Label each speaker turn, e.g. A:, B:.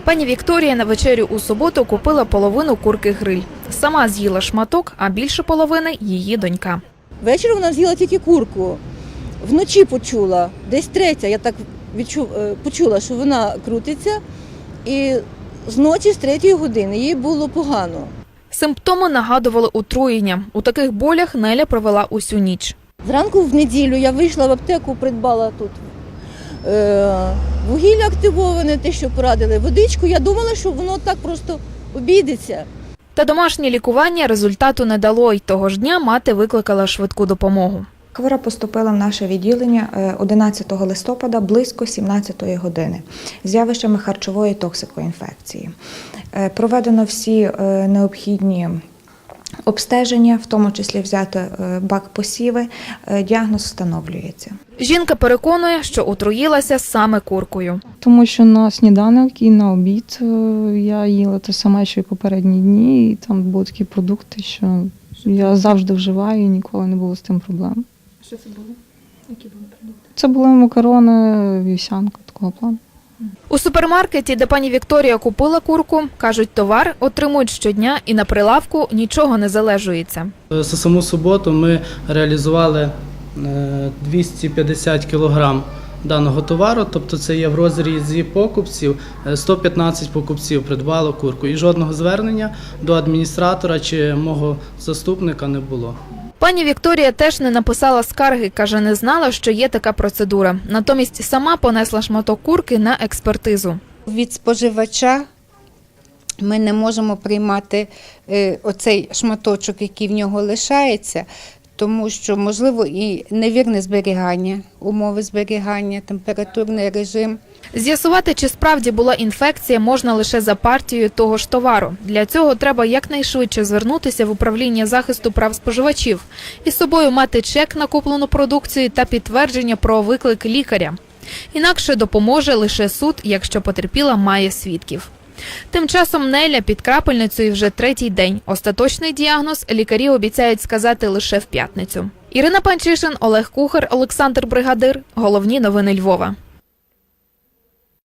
A: Пані Вікторія на вечерю у суботу купила половину курки-гриль. Сама з'їла шматок, а більше половини – її донька.
B: Ввечері вона з'їла тільки курку. Вночі почула, десь третя, я так почула, що вона крутиться. І зночі з 3-ї години їй було погано.
A: Симптоми нагадували отруєння. У таких болях Неля провела усю ніч.
B: Зранку в неділю я вийшла в аптеку, придбала тут вугілля активоване, те, що порадили, водичку. Я думала, що воно так просто обійдеться.
A: Та домашнє лікування результату не дало, й того ж дня мати викликала швидку допомогу.
C: Хвора поступила в наше відділення 11 листопада близько 17-ї години з явищами харчової токсикоінфекції. Проведено всі необхідні обстеження, в тому числі взяти бак посіви, діагноз встановлюється.
A: Жінка переконує, що отруїлася саме куркою.
D: Тому що на сніданок і на обід я їла те саме, що й попередні дні, і там були такі продукти, що я завжди вживаю, і ніколи не було з тим проблем.
A: Що це було? Які були продукти?
D: Це були макарони, вівсянка такого плану.
A: У супермаркеті, де пані Вікторія купила курку, кажуть, товар отримують щодня і на прилавку нічого не залежується.
E: За саму суботу ми реалізували 250 кг даного товару, тобто це є в розрізі покупців, 115 покупців придбало курку і жодного звернення до адміністратора чи мого заступника не було.
A: Пані Вікторія теж не написала скарги, каже, не знала, що є така процедура. Натомість сама понесла шматок курки на експертизу.
F: Від споживача ми не можемо приймати оцей шматочок, який в нього лишається, тому що, можливо, і невірне зберігання, умови зберігання, температурний режим.
A: З'ясувати, чи справді була інфекція, можна лише за партією того ж товару. Для цього треба якнайшвидше звернутися в управління захисту прав споживачів і з собою мати чек на куплену продукцію та підтвердження про виклик лікаря. Інакше допоможе лише суд, якщо потерпіла має свідків. Тим часом Неля під крапельницею вже 3-й день. Остаточний діагноз лікарі обіцяють сказати лише в п'ятницю. Ірина Панчишин, Олег Кухар, Олександр Бригадир. Головні новини Львова.